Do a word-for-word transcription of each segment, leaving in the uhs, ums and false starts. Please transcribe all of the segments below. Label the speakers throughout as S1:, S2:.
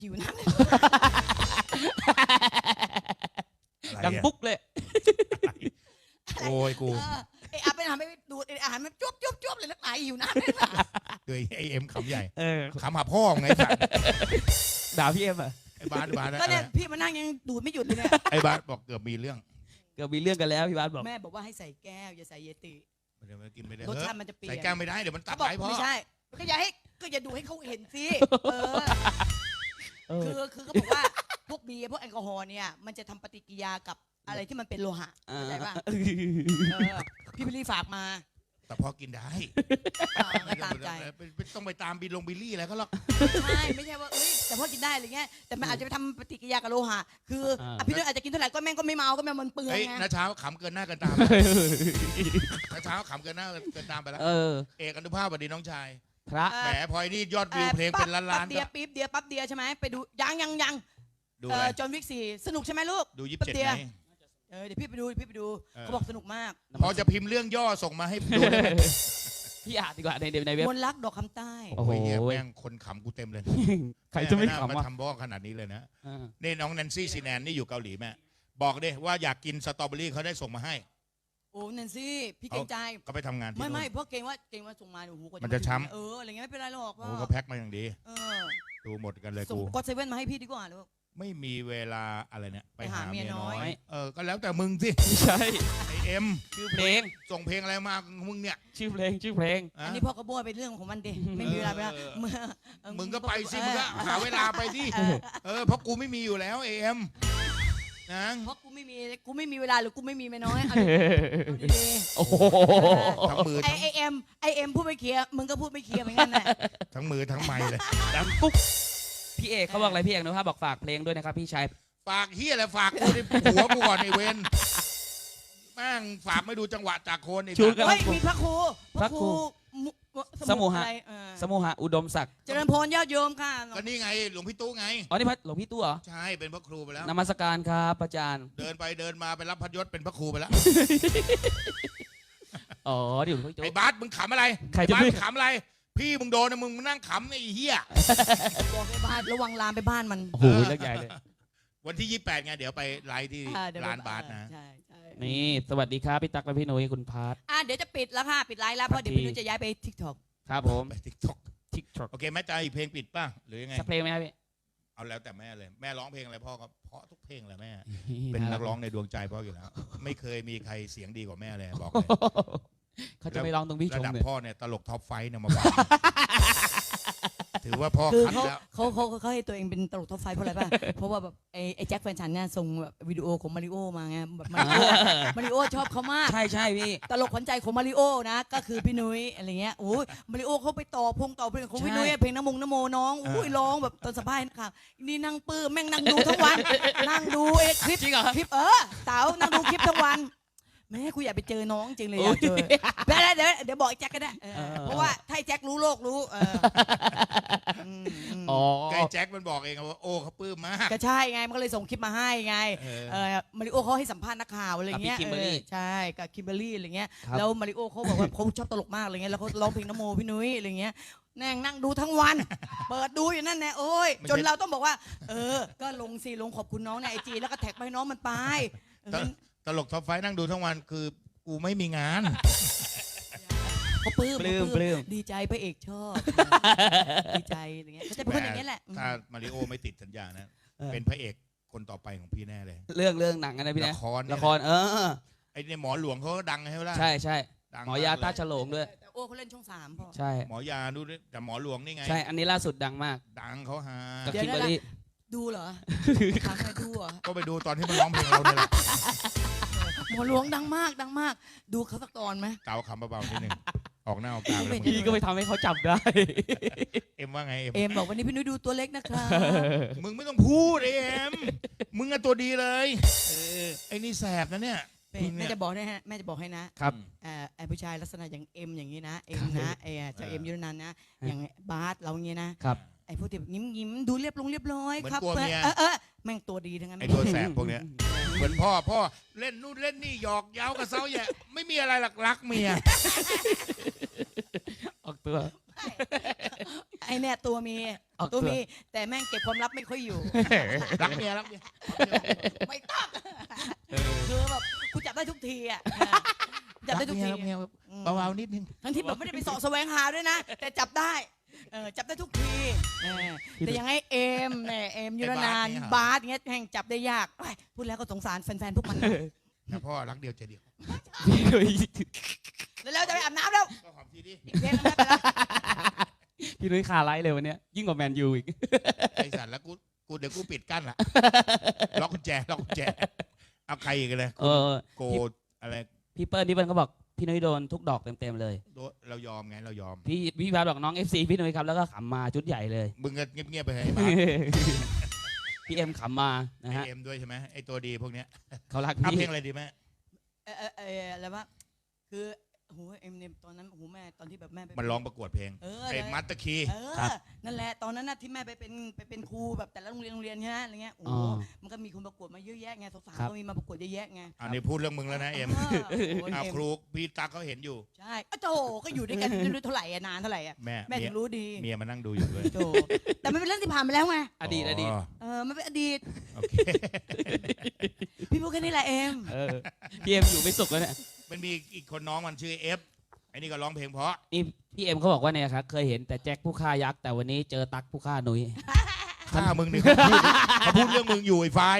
S1: หิวน้ำ
S2: ดังปุ๊กเลย
S3: โอ้ยกู
S1: ไอ้อาเป็นอาหารไม่ดูดไอ้อาหารมันจุ๊บจุ๊บจุ๊บเลยนักหนาหิวน้ำเลยนะ
S3: เดยไอเอ็มขำใหญ่
S2: เออ
S3: ขำหาพ่อไงสัตว์
S2: ด่าพี่เอ็มอ่ะ
S3: ไอ้บาสบาส
S1: ก็เนี่ยพี่มานั่งยังดูดไม่หยุดเลยเนี่ย
S3: ไอ้บาสบอกเกือบมีเรื่อง
S2: เกือบมีเรื่องกันแล้วพี่บาสบอก
S1: แม่บอกว่าให้ใส่แก้วอย่าใส่เยติ
S3: เดี๋ยวมันกินไม่ได้
S1: รส
S3: เฮ้ย
S1: ชาติมันจะเปลี่ยน
S3: ใส่แก้วไม่ได้เดี๋ยวมันตั
S1: เขา
S3: ด
S1: บอก
S3: ไปพ่อ
S1: ไม่ใช่ก็อย่าให้ก็อย่าดูให้เขาเห็นสิเออ
S2: เอ
S1: คือ
S2: อ
S1: คือเขาบอกว่าพวกเบียร์พวกแอลกอฮอล์เนี่ยมันจะทำปฏิกิริยากับอะไรที่มันเป็นโลหะเข้าใจป่ะเออพี่บิลลี่ฝากมา
S3: แต่พ่อกินได้
S1: อ่าก็ตามใจ
S3: ไม่ต้องไปตามบิลลงบิลลี่อะไรเขาหรอก
S1: ใช่ไม่ใช่ว่าเอ้ยแต่พ่อกินได้อะไรเงี้ยแต่มันอาจจะไปทำปฏิกิริยากับโลหะคืออ่ะพี่นุ้ยอาจจะกินเท่าไหร่ก็แม่งก็ไม่เมาก็แม่งมันเปลือง
S3: เฮ้ย
S1: ไง
S3: น้าเช้าขำเกินหน้าเกินตามน้าเช้าขำเกินหน้าเกินตามไปแล้ว
S2: เออ
S3: เอกอนุภาพสวัสดีน้องชาย
S2: พระ
S3: แหมพลอยนี่ยอดวิวเพลงเป็นล้านล้าน
S1: ปั๊บเดียปี๊บเดียปั๊บเดียใช่ไหมไปดูยังยังยัง
S3: ดู
S1: เอ
S3: อะไร
S1: อจอห์นวิกสี่สนุกใช่ไหมลูก
S3: ดูยี่สิบ
S1: ปั๊
S3: เจ็ด
S1: บเดีย
S3: ไง
S1: เออเดี๋ยวพี่ไปดูพี่ไปดู
S3: เออ
S1: เขาบอกสนุกมาก
S3: พอจะพิมพ์เรื่องย่อส่งมาให้ดูได้ไหม
S2: พี่อ่านดีกว่าในเดในเว็บ
S1: มนต์รักดอกคำใต้
S2: โอ้โห
S3: โอ้ยเหี้ยแม่งคนขำกูเต็มเลย
S2: ใครจะไม่
S3: แน่า
S2: ขำ
S3: มา
S2: อ่ะ
S3: ทำบ้องขนาดนี้เลยนะ
S2: เออ
S3: นี่น้องแนนซี่ซีแนนนี่อยู่เกาหลีแม่บอกดิว่าอยากกินสตรอเบอรี่เขาได้ส่งมาให้
S1: โอ้นันซี่พี่เกรงใจ
S3: ก็ไปทำงานที่
S1: ไม่
S3: นู่น
S1: ไม่เพราะเกรงว่าเกรงว่าส่งมาโอ้โหกว่า
S3: มันจะช้ำ
S1: เอออะไรเงี้ยไม่เป็นไรหรอก
S3: โอ้เขาแพ็คมาอย่างดี
S1: เออ
S3: ดูหมดกันเลย
S1: ส่ง
S3: กู
S1: ก็เซเว่นมาให้พี่ดีกว่าลูก
S3: ไม่มีเวลาอะไรเนี่ยไปหา
S1: ไปหาเมี
S3: เมีย
S1: ยน้
S3: น้อ
S1: อย
S3: ยเออก็แล้วแต่มึงสิ
S2: ไม่ใช่
S3: ไอเอ็ม
S2: ชื่อเพลง
S3: ส่งเพลงอะไรมามึงเนี่ย
S2: ชื่อเพลงชื่อเพลง
S3: อะ
S1: อันนี้พ่อก็บ้วเป็นเรื่องของมันดิไม่มีเวลาไปแล้ว
S3: เออ
S1: เมื่อเออ
S3: มึงก็ไปสิมึงก็หาเวลาไปดิ
S1: เออ
S3: เออเพราะกูไม่มีอยู่แล้วเอ็มนะ
S1: เพราะกูไม่มีกูไม่มีเวลาหรือกูไม่มีเมียน้อยเอาดิ
S2: โอ้โห
S3: ทั้งมือ
S1: ไอ
S3: ทั้ง
S1: ไอเอ็มไอเอ็มพูดไม่เคลียร์มึงก็พูดไม่เคลียร์เหมือนกันแหละ
S3: ทั้งมือทั้งไม้เลย
S2: ดังปุ๊กพี่เอกเขาบอกอะไรพี่เอกนะฮะบอกฝากเพลงด้วยนะครับพี่ชาย
S3: ฝากเฮียอะไรฝากกูในหัวกูก่อนไอเวนแม่งฝากไม่ดูจังหวะจากโคนไอ้
S2: ชู
S3: สัตว์
S2: กัน
S1: เฮ้ยมีพระครู
S2: พระครู
S1: มุ
S2: สมุหะ
S1: อะไรเออ
S2: สมุหะอุดมศักดิ์
S1: เจริญพรญาติโยมค่ะ
S3: ก็นี่ไงหลวงพี่ตู้ไง
S2: อ๋อนี่พระหลวงพี่ตู้เหรอ
S3: ใช่เป็นพระครูไปแล้ว
S2: นมัสการครับอาจารย์
S3: เดินไปเดินมาไปรับพัดยศเป็นพระครูไปแล้ว
S2: อ๋อเดี๋ยวหลวงพี่ตู้
S3: ไอ้บาสมึงขำอะไร
S2: ใคร
S3: ไอ้
S2: จะ
S3: บาส
S2: ไม่
S3: มึงขำอะไร พี่มึงโดนนะมึงนั่งขำไอ้เหี้ย
S1: บอกไปบ้านระวังลามไปบ้านมัน
S2: โอ้โหเรื่องใหญ่เลย
S3: วันที่ยี่สิบแปดไงเดี๋ยวไปไลฟ์ที่
S1: อ่เดี๋ยวไป
S3: ร้านบาสนะ
S1: ใช่ใช่
S2: นี่สวัสดีครับพี่ตั๊กและพี่นุ้ยคุณพาร์ท
S1: อ่ะเดี๋ยวจะปิดแล้วค่ะปิดไลฟ์แล้วเพราะเดี๋ยวพี่นุ้ยจะย้ายไปทิกตอก
S2: ครับผม
S3: ไปทิกท็อก
S2: ทิกท็อก
S3: โอเคแม่ใจเพลงปิดป่ะหรือยังไง
S2: สักเพลงไหมครับพี่
S3: เอาแล้วแต่แม่เลยแม่ร้องเพลงอะไรพ่อก็เพราะทุกเพลงแหละแม่ เป็นนักร้องในดวงใจพ่ออยู่แล้ว ไม่เคยมีใครเสียงดีกว่าแม่เลยบอกเลย
S2: เขาจะไม่ร้องตรงพี่ช
S3: ระ
S2: ม
S3: ดับ
S2: เลย
S3: พ่อเนี่ยตลกท็อปไฟว์เนี่ยมาบอก ถือว่าพ่อ
S1: คือ
S3: คัด
S1: เขา
S3: แล้ว
S1: เขาเขาเขาให้ตัวเองเป็นตลกท็อปไฟว์เพราะอะไรป่ะ เพราะว่าแบบไอ้ไอ้แจ็คแฟนฉันเนี่ยส่งแบบวิดีโอของมาริโอมาไงแบบมาริโอมาริโอชอบเขามาก
S2: ใช่ใช่พี่
S1: ตลกขวัญใจของมาริโอนะก็คือพี่นุ้ยอะไรเงี้ยโอ้ยมาริโอเขาไปต่อพงต่อเพลงของพี่
S2: ใช่
S1: นุ้ยเพลงน้ำมงน้ำโมน้องอุ้ยร้องแบบตอนสะพายนะคะนี่นั่งปื้มแม่งนั่งดูทั้งวัน นั่งดูไอ้คลิป
S2: จริงเหรอ
S1: คลิปเออเต๋านั่งดูคลิปทั้งวันแม่กูอยากไปเจอน้องจริงเลยอยากเจอเดี๋ยวเดี๋ยวเดี๋ยวบอกไอ้แจ็คก็ได้เออ
S2: เออ
S1: เพราะว่าถ้าไอ้แจ็ครู้โลกรู้เอออืมอืม
S2: อ๋อ
S3: ไกแจ็คมันบอกเองว่าโอ้เขาปลื้มมาก
S1: ก็ใช่ไงมันก็เลยส่งคลิปมาให้ไง
S3: เออ
S1: เออมาริโอเขาให้สัมภาษณ์นักข่าวอะไรเงี้ย
S2: กับพี่คิมเบอรรี่
S1: เออใช่กับคิมเบอรรี่อะไรเงี้ย
S2: ครับ
S1: แล้วมาริโอเขาบอกว่าเขาชอบตลกมากอะไรเงี้ยแล้วเขาร้องเพลงนโมพี่นุ้ยอะไรเงี้ยแน่งนั่งดูทั้งวัน เปิดดูอยู่นั่นแน่โอ้ย
S3: ไม่ใช่
S1: จนเราต้องบอกว่า เออ ก็ลงสิลงขอบคุณน้องในไอจีแล้วก็แท็กไปให้น้องมันไปเออ
S3: ตลกท็อปไฟว์นั่งดูทั้งวันคือกูไม่มีงาน
S1: เขาปลื้ม
S2: ปลื้ม
S1: เขา
S2: ปลื้ม
S1: ดีใจพระเอกชอบดีใจอะไรเงี้ยเขาจะเป็นคนอย่างนี้ยแหละ
S3: ถ้ามาริโอไม่ติดสัญญานะ
S2: เออ
S3: เป็นพระเอกคนต่อไปของพี่แน่เลย
S2: เรื่องเรื่องหนังกันนะพี่
S3: ละ
S2: นะ
S3: ครเนี่ย
S2: ละครเออ
S3: ไอ้เนี่ยหมอหลวงเขาก็ดังใช่ไหมล่ะ
S2: ใช่ใช่
S3: ดัง
S2: หมอยา
S3: เล
S2: ตาฉลงด้วย
S1: แต่โอ้เขาเล่นช่องสามพ่อ
S2: ใช่
S3: หมอยาดูดิแต่หมอหลวงนี่ไง
S2: ใช่อันนี้ล่าสุดดังมาก
S3: ดังเขาหา
S2: กับ
S1: เดี๋ยว
S2: คิมเบอรรี่
S1: ดูเหรอถามใครดูเหรอ
S3: ก็ไปดูตอนที่มันร้องเพลงเราเนี่ยแหละ
S1: หมอหลวงดังมากดังมาก ดูเขาสักตอนไหม
S3: เตาคำเบาๆนิดนึงออกหน้าออกตาไปแล้ว
S2: พี่ก็ไปทำให้เขาจับได้
S3: เอ็มว่าไงเอ็ม
S1: เอ็มบอกวันนี้พี่นุ้ยดูตัวเล็กนะครับ
S3: มึงไม่ต้องพูดเอ็มมึงอะตัวดีเลย
S2: เออ
S3: ไอ้นี่แสบนะเนี่ย
S1: แม่จะบอกให้ฮะแม่จะบอกให้นะครับ เอ่อไอ้ผู้ชายลักษณะอย่างเอ็มอย่างนี้นะเอ็มนะไอ้เจ้าเอ็มยุรนันท์นะอย่างบาสเราอย่างนี้นะครับ ไอ้พวกที่ยิ้มยิ้มๆดูเรียบลงเรียบร้อย
S3: เหมือน
S1: ครับ
S3: กลัวเมีย
S1: เออเออแม่งตัวดีทั้งนั้น
S3: ไอ้ตัวแสบพวกเนี้ยเหมือนพ่อพ่อเล่นนู่นเล่นนี่หยอกเย้ากับเซ้าแย่ไม่มีอะไรหลักรักเมีย
S2: ออกตัว
S1: ไอ้อ้เนี่ยตัวมี
S2: เอา
S1: ตัว
S2: ตัว
S1: มีแต่แม่งเก็บความลับไม่ค่อยอยู่
S3: รักเมียรักเมีย
S1: ไม่ต้องคือแบบกูจับได้ทุกทีอ่ะจับได้ทุกที
S3: รักเมียรักเมียเบาๆนิดนึง
S1: ทั้งที่แบบไม่ได้ไปเสาะแสวงหาด้วยนะ แต่จับได้เออจับได้ทุกทีเออแต่ยังไงเอมเนี่ยเอมยุรนานบาสเงี้ยแห่งจับได้ยากเอ้ยพูดแล้วก็สงสารแฟนๆพวกมันนะ
S3: แต่พ่อรักเดียวใจเดียว
S2: พี่นุ้ย
S1: แล้วจะไปอาบน้ำแล้ว
S3: ก็หอมทีดิ
S1: อีกเพลงนึงไม่เป็นไร
S2: พี่นุ้ยคาไลท์เลยวันเนี้ยยิ่งกว่าแมนยูอีก
S3: ไอสัตว์แล้วกูกูเดี๋ยวกูปิดกั้นละล็อกกุญแจล็อกกุญแจเอาใครอีกเลย
S2: เออ
S3: โกอะไร
S2: พี่เปิ้ลพี่เปิ้ลก็บอกพี่นุ้ยโดนทุกดอกเต็มๆเลย
S3: โดเรายอมไงเรายอม
S2: พี่พี่บาสบอกน้อง เอฟ ซี พี่นุ้ยครับแล้วก็ขำมาชุดใหญ่เลย
S3: มึงก็เงียบๆไปให้บ้า
S2: พี่เอ็มขำมานะ
S3: ไอ
S2: ฮะ
S3: เอ็มด้วยใช่ไหมไอตัวดีพวกเนี้ย
S2: เขารัก
S3: เอา
S2: พี่
S3: เพลงอะไรดีแม่
S1: เออเออเอออะไรวะคือโหเอ็มเนี่ยตอนนั้นโหแม่ตอนที่แบบแม่ไป
S3: มันร้องประกวดเพลง
S1: เออ
S3: ไอมัตตะคี
S1: เออนั่นแหละตอนนั้นน่ะที่แม่ไปเป็นไปเป็นครูแบบแต่ละโรงเรียนโรงเรียนใช่ไหมอะไรเงี้ยโอ้
S2: อ๋อ
S1: มันก็มีคนประกวดมาเยอะแยะไงสาว
S2: ครับ
S1: ๆก็มีมาประกวดเยอะแยะไง
S3: อันนี้พูดเรื่องมึงแล้วนะเอ็ม
S1: เออโอ้ย
S3: เอา
S1: เอ็ม
S3: ครูพี่ตั๊กเขาเห็นอยู่
S1: ใช่อ้าวโจก็อยู่ด้วยกันไม่รู้เท่าไหร่อะนานเท่าไหร่อะ
S3: แม่
S1: แม่
S3: เมี
S1: ถึ
S3: ย
S1: งรู้ดี
S3: เมียมานั่งดูอยู่ด้วย
S1: โจแต่มันเป็นเรื่องที่ผ่านไปแล้วไง
S2: อดีตอดีต
S1: เออมันเป็นอดีต
S3: โอเค
S1: พี่พูดแค่นี้แหละเอ็ม
S2: เออพี่เอ็มอยู่ไม่สุขแล้วเนี่ย
S3: มันมีอีกคนน้องมันชื่อเอฟไอ้นี่ก็ร้องเพลงเพราะ
S2: นี่พี่เอ็มเขาบอกว่าเนี่ยครับเคยเห็นแต่แจ็คผู้ฆ่ายักษ์แต่วันนี้เจอตั๊กผู้ฆ่านุ้ย
S3: ถ้ามึงนี่เขาพูดเขาพูดเรื่องมึงอยู่ไอ้ไฟ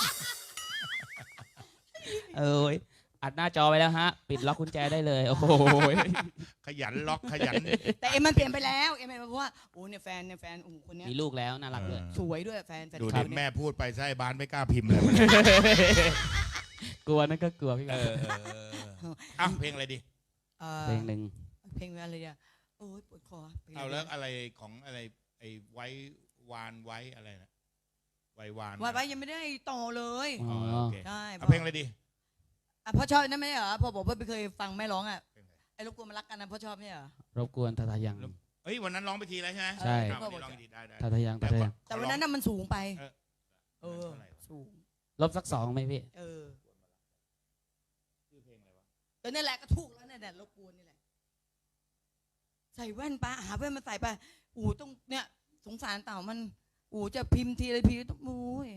S2: เอ้ยอัดหน้าจอไปแล้วฮะ ปิดล็อกกุญแจได้เลย โอ้โห
S3: ขยันล็อกขยัน
S1: แต่เอ็มมันเปลี่ยนไปแล้วเอ็มมันเพราะว่าโอ้เนี่ยแฟนเนี่ยแฟนโอ้โหคนเนี้ย
S2: มีลูกแล้วน่ารักเลย
S3: เออ
S1: สวยด้วยแฟนแฟน
S3: ดู
S1: คลั
S3: ดิ
S1: บ
S3: แม่
S1: เนี่ย
S3: พูดไปไส้บ้านไม่กล้าพิมพ์เลย
S2: กลัวนั่นก็กลัวพี่
S3: เอ
S2: ครับ
S3: ออ่ะเพลงอะไรดี
S1: เอ่อ
S2: เพลงหนึ่ง
S1: เพลงอะไรอ่ะโอ้ยปวดคอพงะไร
S3: เอาแล้วอะไรของอะไรไอ้ไว้วานไว้อะไรนะไว้วาน
S1: วันไว้ยังไม่ได้ต่อเลย
S2: อ๋
S3: อ๋
S2: อ
S3: อโอเค
S1: ใช่
S3: เอาเพลงอะไรดี
S1: อ่ะพ่อชอบนั่นไม่ใช่เหรอพ่อบอกว่าไม่เคยฟังแม่ร้องอ่ะ
S3: เพลงอะไร
S1: ไอ้รบกวนมารักกันนะพ่อชอบเนี่ยเหรอ
S2: รบกวนทาทายัง
S3: เฮ้ยวันนั้นร้องไปทีแล้วใช่ไหม
S2: ใช่
S3: อ่ะวันนี้ร้องอีกทีได้ได้
S2: ทาทายังทาทายัง
S1: แต่วันนั้นน่ะมันสูงไป
S3: เออ
S1: เออ
S3: เท่าไหร่วะ
S1: สูง
S2: ลบสักสองไหมพี่
S1: เออ
S3: ชื่อเพลงอะไรวะ
S1: แต่นี่แหละก็ถูกแล้วเนี่ยแหละรบกวนนี่แหละใส่แว่นปะหาแว่นมาใส่ไปอู๋ต้องเนี่ยสงสารเต่ามันอู๋จะพิมพ์ทีอะไรพิมพ์ต้องโอ้ย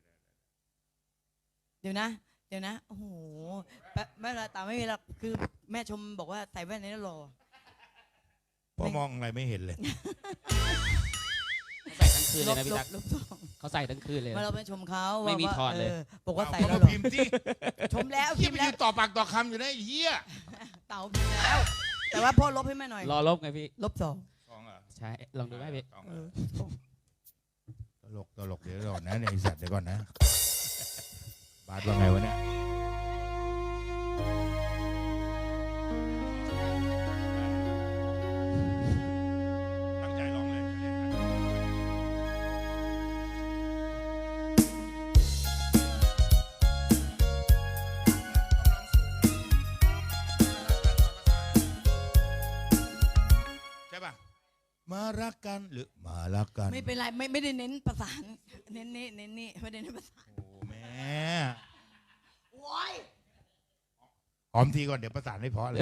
S1: เดี๋ยวนะ เดี๋ยวนะโอ้โหแป๊บไม่ละเต่าไม่มีหรอกคือแม่ชมบอกว่าใส่แว่นนี้หล่อ
S3: พ่อมองอะไรไม่เห็นเลย
S2: เขาใส่ทั้งคืน
S1: ล
S2: เลย
S1: บ
S2: นะพี่
S1: ล
S2: ตั๊
S1: บ
S2: ก
S1: ลบสอง
S2: เขาใส่ทั้งคืนเลย
S1: มาเราไปชมเขา
S2: ไม่มี
S1: ว่า
S2: ถอดเลย
S1: บอกว่าใส่
S3: เอา
S1: แล้ว
S3: ก็
S1: หรอ
S3: พิมพ์ที่
S1: ชมแล้ว
S3: ที่
S1: พิม
S3: ไป
S1: พ์แล้
S3: ยื
S1: วน
S3: ต่อปากต่อคำอยู่นะไอ้เหี้ย
S1: เต่าพิมพ์แล้ว แต่ว่าพ่อลบให้แม่หน่อย
S2: รอลบไงพี่
S1: ลบสอง
S3: สองเหรอ
S2: ใช่ ลองดูไหมพี่
S3: สอง
S1: เอ
S3: เหรอ
S1: อ
S3: ตลกตลกเดี๋ยวก่อนนะเนี่ยไอสัตว์เดี๋ยวก่อนนะ บาสว่าไงวะเนี่ยตั้งใจร้องเลยจะได้อ่านใช่ป่ะ มารักกันหรือมารักกัน
S1: ไม่เป็นไรไม่ไม่ได้เน้นประสานเน้นนี่เน้นนี่ไม่ได้เน้นประสาน
S3: โอ้แม่
S1: โอ้ย
S3: หอมทีก่อนเดี๋ยวประสานไม่เพราะเลย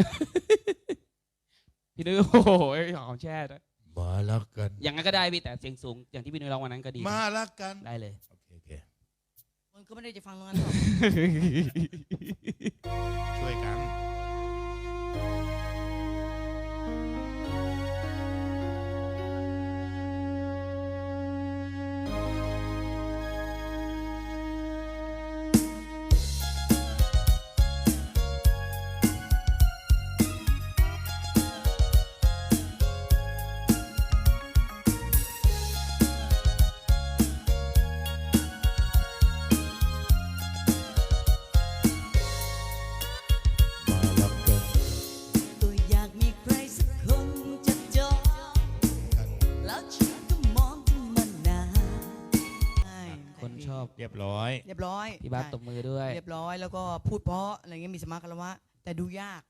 S2: พี่นุ้ยโอ้โหหอมแช่ด้วย
S3: มารักกัน
S2: อย่างนั้นก็ได้พี่แต่เสียงสูงอย่างที่พี่นุ้ยร้องวันนั้นก็ดี
S3: มารักกัน
S2: ได้เลย
S3: โอเคโอเค
S1: มันก็ไม่ได้จะฟังตรงนั้นหรอก
S3: ช่วยกัน มารักกัน
S1: ก็อยากมีใครสักคนจะจอง
S3: กัน
S1: แล้วฉันก็มองถึงมันนานใช่
S2: คนชอบ
S3: เรียบร้อย
S1: เรียบร้อย
S2: พี่บาสตบมือด้วย
S1: เรียบร้อยแล้วก็พูดเพราะอะไรเงี้ยมีสมาคารวะแต่ดูยาก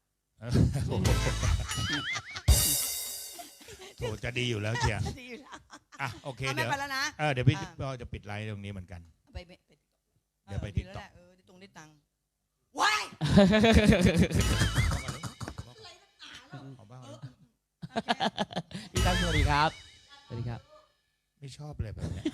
S3: โอ้จะดีอยู่แล้วเชียร์
S1: ดีอยู่แล้ว
S3: อ่ะโอเค
S1: เอาไม่
S3: เดี๋ยว
S1: ไปแล้วนะ
S3: เออเดี๋ยวพี่
S1: อ่ะ
S3: ก็จะปิดไลน์ตรงนี้เหมือนกัน
S1: ไปไปไป
S3: เดี๋ยวไป TikTok
S1: แล้วแหละเออได้ตรงได้ตังค์ว้าย
S3: ขอบ้าง
S2: พี่ตั๊กสวัสดีครับ สวัสดีครับ
S3: ไม่ชอบเลยแบบเนี้ย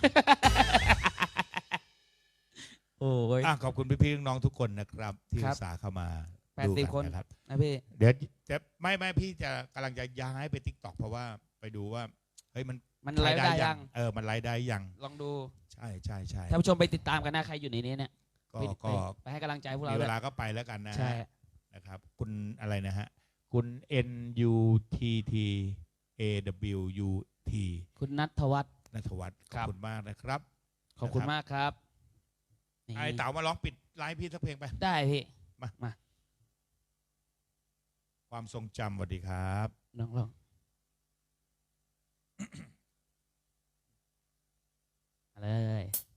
S2: โอ้ย
S3: อ่ะขอบคุณพี่ๆน้องๆทุกคนนะครับ ที่
S2: ครั
S3: อุ
S2: บ
S3: ตส่าห์เข้ามา
S2: แปด
S3: ดู
S2: สิบ
S3: กั
S2: คน
S3: นะครับ
S2: นะพี่
S3: เดี๋ยวจะไม่ไม่พี่จะกำลังจะย้ายไปทิกตอกเพราะว่าไปดูว่าเฮ้ยมัน
S2: มันไลฟ์ได้ยัง
S3: เออมันไลฟ์ได้ยัง
S2: ลองดู
S3: ใช่ใช่ใช่
S2: ท่านผู้ชมไปติดตามกันนะใครอยู่ในนี้เนี่ย
S3: ก็
S2: ไป
S3: ก็
S2: ไปให้กำลังใจพวกเรา
S3: มี
S2: ด้
S3: เว
S2: วย
S3: ลาก็ไปแล้วกันนะ
S2: ใช่
S3: ฮะนะครับ คุณอะไรนะฮะคุณ N U T T A W U T
S2: คุณนัทวัฒน์
S3: นัทวัฒน์ข
S2: ครั
S3: อบบ คุณมากนะครับ
S2: ขอบคุณมากครับนี่
S3: ไอ้เต๋ามาร้องปิดไลฟ์พี่สักเพลงไป
S2: ได้พี่
S3: มา
S2: มา
S3: ความทรงจำสวัสดีครับ
S2: ลองลองมาเลย